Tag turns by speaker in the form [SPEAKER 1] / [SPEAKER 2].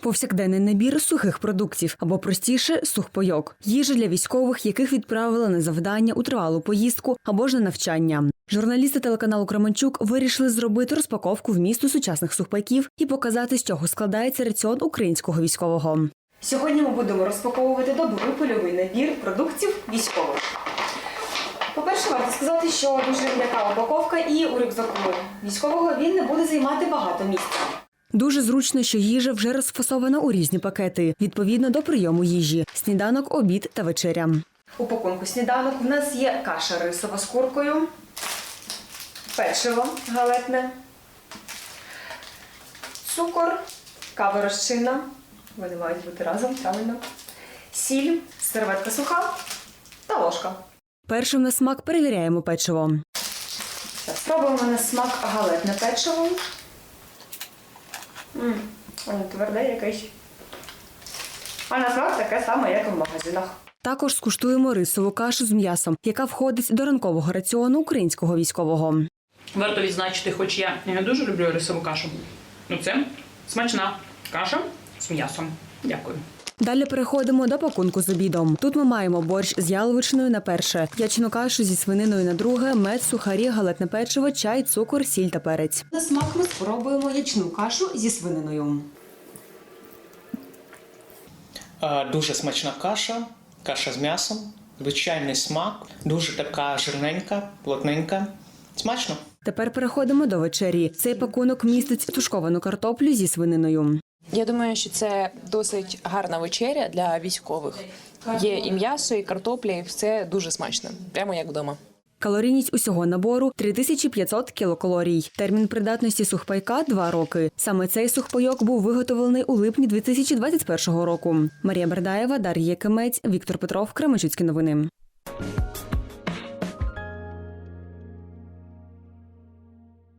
[SPEAKER 1] Повсякденний набір сухих продуктів, або простіше – сухпайок. Їжа для військових, яких відправили на завдання у тривалу поїздку або ж на навчання. Журналісти телеканалу «Кременчук» вирішили зробити розпаковку вмісту сучасних сухпайків і показати, з чого складається раціон українського військового. Сьогодні ми будемо розпаковувати добовий польовий набір продуктів військових. По-перше, варто сказати, що дуже м'яка упаковка і у рюкзаку військового він не буде займати багато місця. Дуже зручно, що їжа вже розфасована у різні пакети, відповідно до прийому їжі – сніданок, обід та вечеря. У пакунку сніданок в нас є каша рисова з куркою, печиво галетне, цукор, кава розчинна, вони мають бути разом, правильно, сіль, серветка суха та ложка. Першим на смак перевіряємо печиво. Спробуємо на смак галетне печиво. Воно тверде якесь. А на смак таке саме, як і в магазинах. Також скуштуємо рисову кашу з м'ясом, яка входить до ранкового раціону українського військового.
[SPEAKER 2] Варто відзначити, хоч я не дуже люблю рисову кашу. Це смачна каша з м'ясом. Дякую.
[SPEAKER 1] Далі переходимо до пакунку з обідом. Тут ми маємо борщ з яловичиною на перше, ячну кашу зі свининою на друге, мед, сухарі, галетне печиво, чай, цукор, сіль та перець. На смак ми спробуємо ячну кашу зі свининою.
[SPEAKER 3] Дуже смачна каша з м'ясом, звичайний смак, дуже така жирненька, плотненька. Смачно.
[SPEAKER 1] Тепер переходимо до вечері. Цей пакунок містить тушковану картоплю зі свининою.
[SPEAKER 4] Я думаю, що це досить гарна вечеря для військових. Є і м'ясо, і картопля, і все дуже смачно. Прямо як вдома.
[SPEAKER 1] Калорійність усього набору – 3500 кілокалорій. Термін придатності сухпайка – 2 роки. Саме цей сухпайок був виготовлений у липні 2021 року. Марія Бердаєва, Дар'я Якимець, Віктор Петров, Кременчуцькі новини.